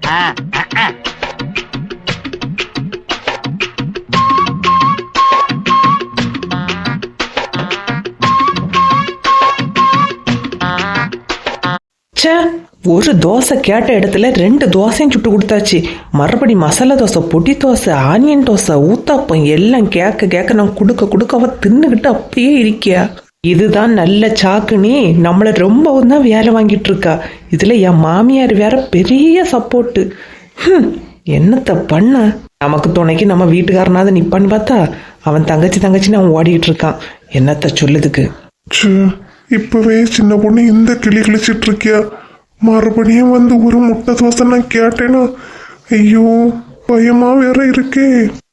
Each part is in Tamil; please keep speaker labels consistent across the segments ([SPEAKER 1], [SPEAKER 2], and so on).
[SPEAKER 1] ஒரு தோசை கேட்ட இடத்துல 2 தோசையும் சுட்டு கொடுத்தாச்சு. மறுபடி மசாலா தோசை, பொடி தோசை, ஆனியன் தோசை, ஊத்தாப்பம் எல்லாம் கேட்க நான் கொடுக்க அவ தின்னுகிட்டு அப்படியே இருக்கியா. இதுதான் நல்ல சாக்குனே நம்மள ரொம்பவும் தான் வேலை வாங்கிட்டு இருக்கா. இதுல என் மாமியார் வேற பெரிய சப்போர்ட்டு. என்னத்த பண்ண, நமக்கு துணைக்கு நம்ம வீட்டுக்காரனாவது நிப்பான்னு பார்த்தா அவன் தங்கச்சின்னு அவன் ஓடிக்கிட்டு இருக்கான். என்னத்த சொல்லுதுக்கு.
[SPEAKER 2] இப்பவே சின்ன பொண்ணு இந்த கிளி கிழிச்சிட்டு இருக்கியா, மறுபடியும் வந்து ஒரு முட்டை தோசை நான் கேட்டேனா, ஐயோ பயமா வேற இருக்கே.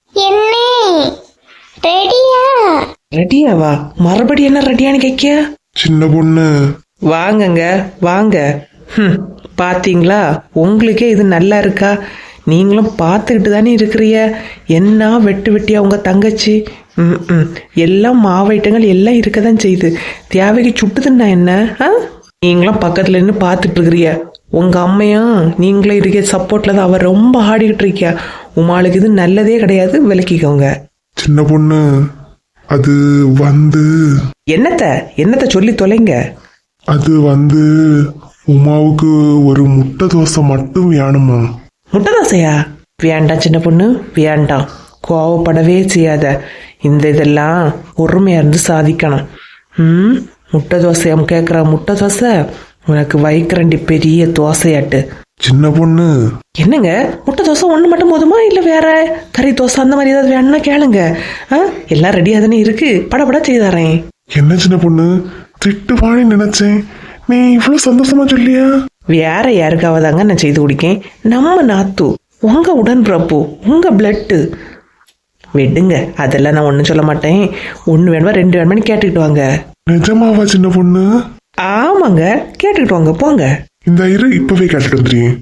[SPEAKER 1] ரெடியாவா? மறுபடியும் என்ன ரெடியான்னு கேட்க?
[SPEAKER 2] சின்ன பொண்ணு
[SPEAKER 1] வாங்கங்க வாங்க. பாத்தீங்களா, உங்களுக்கே இது நல்லா இருக்கா? நீங்களும் பார்த்துக்கிட்டு தானே இருக்கிறிய. என்ன வெட்டியா உங்க தங்கச்சி. எல்லாம் மாவைட்டங்கள் எல்லாம் இருக்கதான் செய்யுது. தேவைக்கு சுட்டுதுன்னா என்ன? நீங்களும் பக்கத்துல இருந்து பார்த்துட்டு இருக்கிறிய. உங்க அம்மையும் நீங்களும் இருக்க சப்போர்ட்ல தான் அவ ரொம்ப ஆடிக்கிட்டு இருக்கியா. உமாளுக்கு இது நல்லதே கிடையாது, விலக்கிக்கோங்க.
[SPEAKER 2] சின்ன பொண்ணு அது வந்து
[SPEAKER 1] என்னத்த சொல்லி தொலைங்க.
[SPEAKER 2] அது வந்து உமாவுக்கு ஒரு முட்டை தோசை மட்டும் வேணுமா?
[SPEAKER 1] முட்டை தோசையா? வேண்டாம் சின்ன பொண்ணு வேண்டாம், கோவப்படவே செய்யாத. இந்த இதெல்லாம் பொறுமையா இருந்து சாதிக்கணும். முட்டை தோசை கேட்குற முட்டை தோசை உனக்கு வைக்கிறண்டி பெரிய தோசையாட்டு.
[SPEAKER 2] சின்ன பொண்ணு
[SPEAKER 1] என்னங்க, முட்டை தோசை ஒன்று மட்டும் போதுமா, இல்லை வேற கறி தோசை அந்த மாதிரி ஏதாவது வேணும்னா கேளுங்க. எல்லாம் ரெடியாக தானே இருக்கு, படப்பட செய்தாரேன்.
[SPEAKER 2] என்ன சின்ன பொண்ணு திட்டுவானு நினைச்சேன், நீ இவ்வளவு சந்தோஷமா சொல்லியா?
[SPEAKER 1] வேற யாருக்காவதாங்க நான் செய்து குடிக்கேன். நம்ம நாத்து, உங்க உடன்பிறப்பு, உங்க பிளட்டு. விடுங்க, அதெல்லாம் நான் ஒன்றும் சொல்ல மாட்டேன். 1 வேணுமா 2 வேணுமான்னு கேட்டுக்கிட்டு வாங்க.
[SPEAKER 2] நிஜமாவா சின்ன பொண்ணு?
[SPEAKER 1] ஆமாங்க, கேட்டுக்கிட்டு வாங்க போங்க.
[SPEAKER 2] இந்த இரு இப்பவே கேட்டுட்டு வந்துடுறேன்.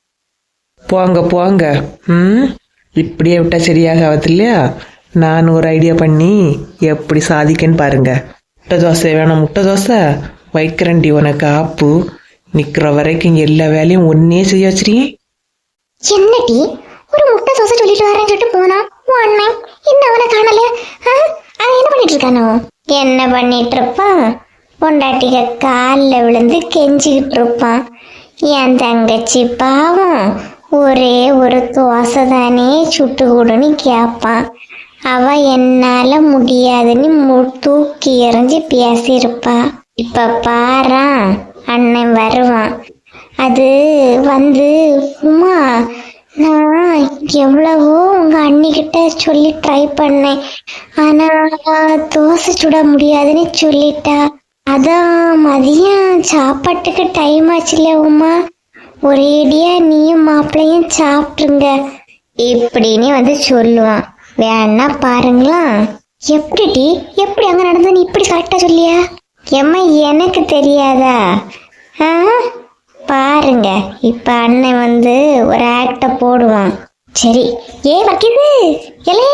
[SPEAKER 1] போங்க. இப்படியே விட்டா சரியாகாது இல்லையா? நான் ஒரு ஐடியா பண்ணி எப்படி சாதிக்கன்னு பாருங்க. முட்டை தோசை வேணும், முட்டை தோசை வைக்கிறண்டி உனக்கு ஆப்பு. நிக்கிற வரைக்கும் எல்லா வேலையும் ஒன்னே செய்ய வச்சிருக்கேன்.
[SPEAKER 3] என்னடி ஒரு முட்டை தோசை சொல்லிட்டு வரேன்னு சொல்லிட்டு போனா அண்ணன் என்ன அவனை காணல. அவன் என்ன பண்ணிட்டு இருக்கானோ? என்ன பண்ணிட்டு இருப்பான்? பொண்டாட்டிக காலில் விழுந்து கெஞ்சிக்கிட்டு இருப்பான். என் தங்கச்சி பாவம் ஒரே ஒரு தோசை தானே சுட்டு கொடுன்னு கேட்பான். அவ என்னால முடியாதுன்னு தூக்கி எறிஞ்சு பேசியிருப்பா. இப்ப பாரா அண்ணன் வருவான். அது வந்து உமா, நான் எவ்வளவோ உங்க அண்ணிக்கிட்ட சொல்லி ட்ரை பண்ணேன், ஆனா தோசை சுட முடியாதுன்னு சொல்லிட்டா. அதான் மதியம் சாப்பாட்டுக்கு டைம் ஆச்சுல உமா, ஒரேடியா நீயும் மாப்பிள்ளையும் சாப்பிட்டுருங்க இப்படின்னு வந்து சொல்லுவான். வேணா பாருங்களா. எப்படி அங்க நடந்தது இப்படி கரெக்டா சொல்லியா? எம்மா எனக்கு தெரியாதா? பாருங்க, இப்ப அண்ணன் வந்து ஒரு ஆக்ட போடுவான். சரி வக்கிது எலே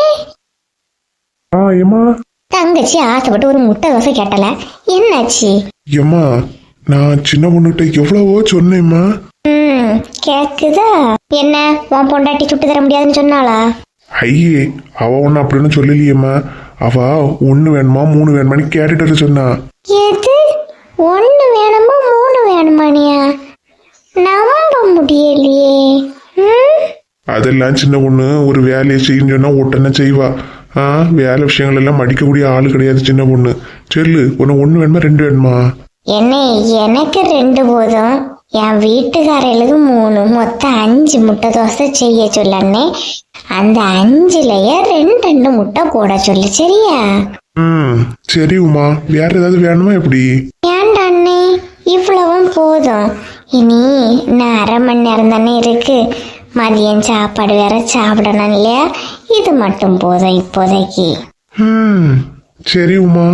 [SPEAKER 3] தங்கச்சி ஆசைப்பட்டு ஒரு முட்டை தோசை கேட்டல, என்னாச்சு?
[SPEAKER 2] ஏம்மா நான் சின்ன பொண்ணுகிட்ட எவ்வளவோ சொன்னேம்மா.
[SPEAKER 3] கேக்குதா? என்ன உன் பொண்டாட்டி சுட்டு தர முடியாதுன்னு சொன்னாளா?
[SPEAKER 2] ஐயே, அவ ஒண்ணு அப்படின்னு சொல்லலையேம்மா. அவ 1 வேணுமா 3 வேணுமான்னு கேட்டுட்டு சொன்னா.
[SPEAKER 3] எது 1 வேணுமா 3 வேணுமானியா? நம்ப முடியலையே.
[SPEAKER 2] அதெல்லாம் சின்ன பொண்ணு ஒரு வேலையை செய்யணும்னு சொன்னா உடனே செய்வா. வேலை விஷயங்கள் எல்லாம் மடிக்கக்கூடிய ஆளு கிடையாது சின்ன பொண்ணு. சொல்லு, உனக்கு 1 வேணுமா 2 வேணுமா?
[SPEAKER 3] என்ன, எனக்கு 2 போதும், என் வீட்டுக்காரர்களுக்கு 3, மொத்தம் 5 முட்டை தோசை செய்ய சொல்லண்ணே. அந்த 5லயே 2 முட்டை போட சொல்லு, சரியா?
[SPEAKER 2] சரி உமா, வேற ஏதாவது வேணுமா எப்படி?
[SPEAKER 3] ஏண்டாண்ணே, இவ்வளவும் போதும். இனி நான் 1/2 மணி நேரம் தானே இருக்கு, மதியம் சாப்பாடு வேற சாப்பிடணும் இல்லையா? இது மட்டும் போதும் இப்போதைக்கு.
[SPEAKER 2] சரி உமா.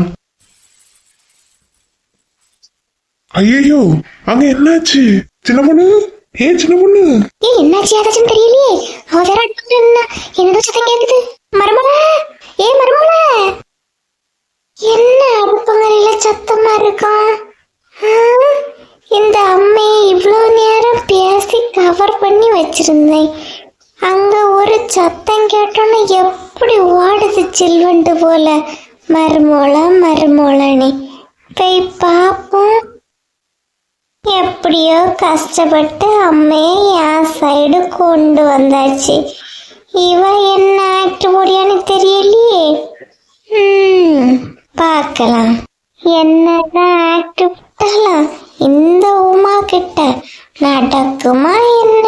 [SPEAKER 2] ஐயோ, அங்க என்னாச்சு சின்ன பொண்ணு? சின்ன பொண்ணு
[SPEAKER 3] என்னாச்சு ஏதாச்சும் தெரியலையே. அவ வேற என்னதோ சத்தம் கேக்குது. மருமல மருமல, என்ன அடுப்பங்கரையில சத்தமா இருக்கும்? இந்த அம்மையை இவ்வளவு நேரம் பேசி கவர் பண்ணி வச்சிருந்தேன். அங்க ஒரு சத்தம் கேட்டோன்னு எப்படி ஓடுது சில்வண்டு போல, மருமோளன்னு. போய் பார்ப்போம். எப்படியோ கஷ்டப்பட்டு அம்மையை என் சைடு கொண்டு வந்தாச்சு. இவ என்ன ஆக்ட் போடியான்னு தெரியலையே. பார்க்கலாம். என்னதான் ஆக்ட் விட்டாலும் இந்த உமா கிட்ட நடக்குமா என்ன?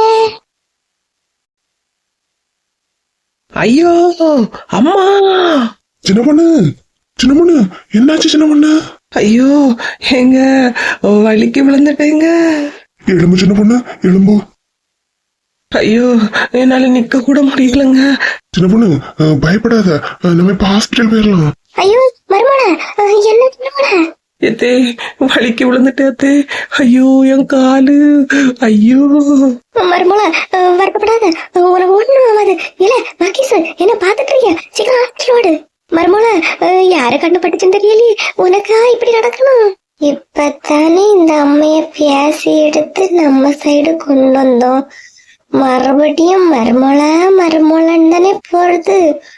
[SPEAKER 1] ஐயோ அம்மா,
[SPEAKER 2] சின்ன பொண்ணு என்னாச்சு சின்ன பொண்ணு?
[SPEAKER 1] ஐயோ எங்க வலிக்கு விழுந்துட்டேங்க.
[SPEAKER 2] எலும்பு சின்ன பொண்ணு எலும்பு.
[SPEAKER 1] ஐயோ என்னால நிக்க கூட முடியலங்க.
[SPEAKER 2] சின்ன பொண்ணு பயப்படாத, நம்ம இப்ப ஹாஸ்பிட்டல் போயிடலாம்.
[SPEAKER 3] ஐயோ மருமோள, என்ன மருமோள?
[SPEAKER 1] எத்தே வலிக்கு விழுந்துட்டே. ஐயோ என் காலு. ஐயோ
[SPEAKER 3] மருமோள வருத்தப்படாத, உனக்கு ஒண்ணும் ஆகாது. இல்ல மகேஷ், என்ன பாத்துட்டு இருக்கியா? சீக்கிரம் ஹாஸ்பிட்டல் ஓடு. மருமோள, யாரு கண்டுபட்டுச்சுன்னு தெரியலையே, உனக்கா இப்படி நடக்கணும்? இப்பத்தானே இந்த அம்மைய பேசி எடுத்து நம்ம சைடு கொண்டு வந்தோம். மறுபடியும் மருமோளன்னு தானே போறது.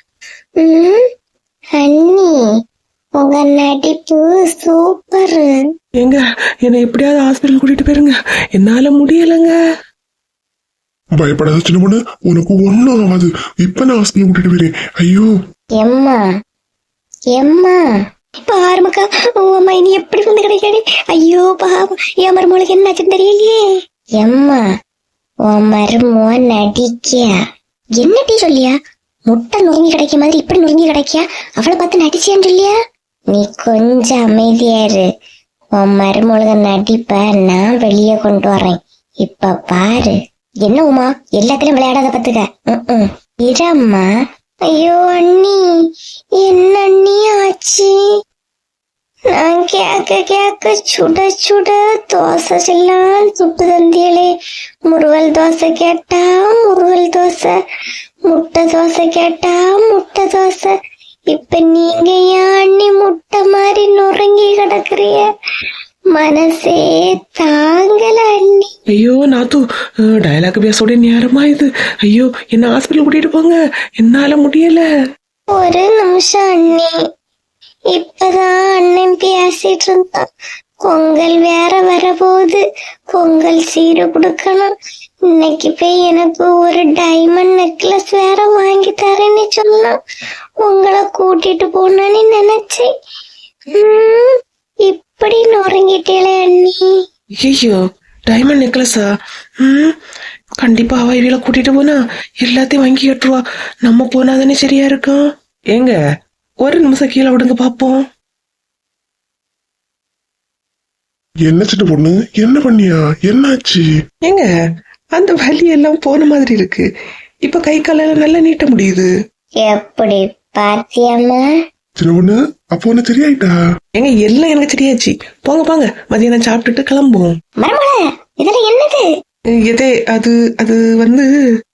[SPEAKER 3] அண்ணி, உங்க நடிப்பு சூப்பர்.
[SPEAKER 1] எங்க என்னை எப்படியாவது ஹாஸ்பிட்டல் கூட்டிட்டு போயிருங்க, என்னால முடியலங்க.
[SPEAKER 2] பயப்படாத சின்ன பொண்ணு, உனக்கு ஒண்ணும் ஆகாது. இப்ப நான் ஹாஸ்பிட்டல் கூட்டிட்டு போயிறேன். ஐயோ
[SPEAKER 3] எம்மா பாருமக்கா, அம்மா இனி எப்படி வந்து கிடைக்காடி. ஐயோ பாவம், என் மருமோளுக்கு என்னாச்சுன்னு தெரியலையே. எம்மா, உன் மருமோ நடிக்கியா? என்ன டீ சொல்லியா? முட்டை நொறுங்கி கிடைக்க மாதிரி இப்படி நொறுங்கி கிடைக்கியா? அவளை பார்த்து நடிச்சியான்னு சொல்லியா? நீ கொஞ்சம் அமைதியா இரு. உன் மருமொழுக நடிப்ப நான் வெளியே கொண்டு வரேன். இப்ப பாரு. என்ன உமா, எல்லாத்திலும் விளையாடாத பத்துக்க. இரம்மா. ஐயோ அண்ணி, என்ன அண்ணி ஆச்சு? நான் கேக்க சுட தோசை எல்லாம் சுட்டு தந்தியலே. முருவல் தோசை கேட்டா முருவல் தோசை, முட்டை தோசை கேட்டா முட்டை தோசை. இப்ப நீங்க ஏன் அண்ணி முட்டை மாதிரி நொறுங்கி கிடக்குறிய? மனசே தாங்கல அண்ணி.
[SPEAKER 1] ஐயோ நாத்து, டயலாக் பேசோட நேரமா இது. ஐயோ என்ன ஹாஸ்பிட்டல் கூட்டிட்டு போங்க, என்னால முடியல.
[SPEAKER 3] ஒரு நிமிஷம் அண்ணி. இப்பதான் அண்ணன் பேசிட்டு இருந்தான். பொங்கல் வேற வரப்போகுது, பொங்கல் சீரு கொடுக்கணும். இன்னைக்கு போய் எனக்கு ஒரு டைமண்ட் நெக்லஸ் வேற வாங்கி தரேன்னு சொன்னான். உங்களை கூட்டிட்டு போனேன்னு நினைச்சேன். இப்படி நொறுங்கிட்டேளே அண்ணி.
[SPEAKER 1] ஐயோ டைமண்ட் நெக்லஸா? கண்டிப்பா அவ இவள கூட்டிட்டு போனா எல்லாத்தையும் வாங்கி கட்டுருவா. நம்ம போனாதானே சரியா இருக்கும். ஏங்க ஒரு நிமிஷம் கீழே விடுங்க பாப்போம்.
[SPEAKER 2] என்ன சின்ன பொண்ணு, என்ன பண்ணியா? என்னாச்சு?
[SPEAKER 1] ஏங்க அந்த வலி எல்லாம் போன மாதிரி இருக்கு. இப்ப கை காலெல்லாம் நல்லா நீட்ட முடியுது.
[SPEAKER 3] எப்படி பாத்தியம்மா?
[SPEAKER 2] சின்ன பொண்ணு, அப்போ உனக்கு சரியாயிட்டா?
[SPEAKER 1] ஏங்க எல்லாம் எனக்கு சரியாச்சு. போங்க போங்க, மதியானம் சாப்பிட்டுட்டு கிளம்புவோம்.
[SPEAKER 3] மருமகளே, இதெல்லாம் என்னது?
[SPEAKER 1] எதே அது அது வந்து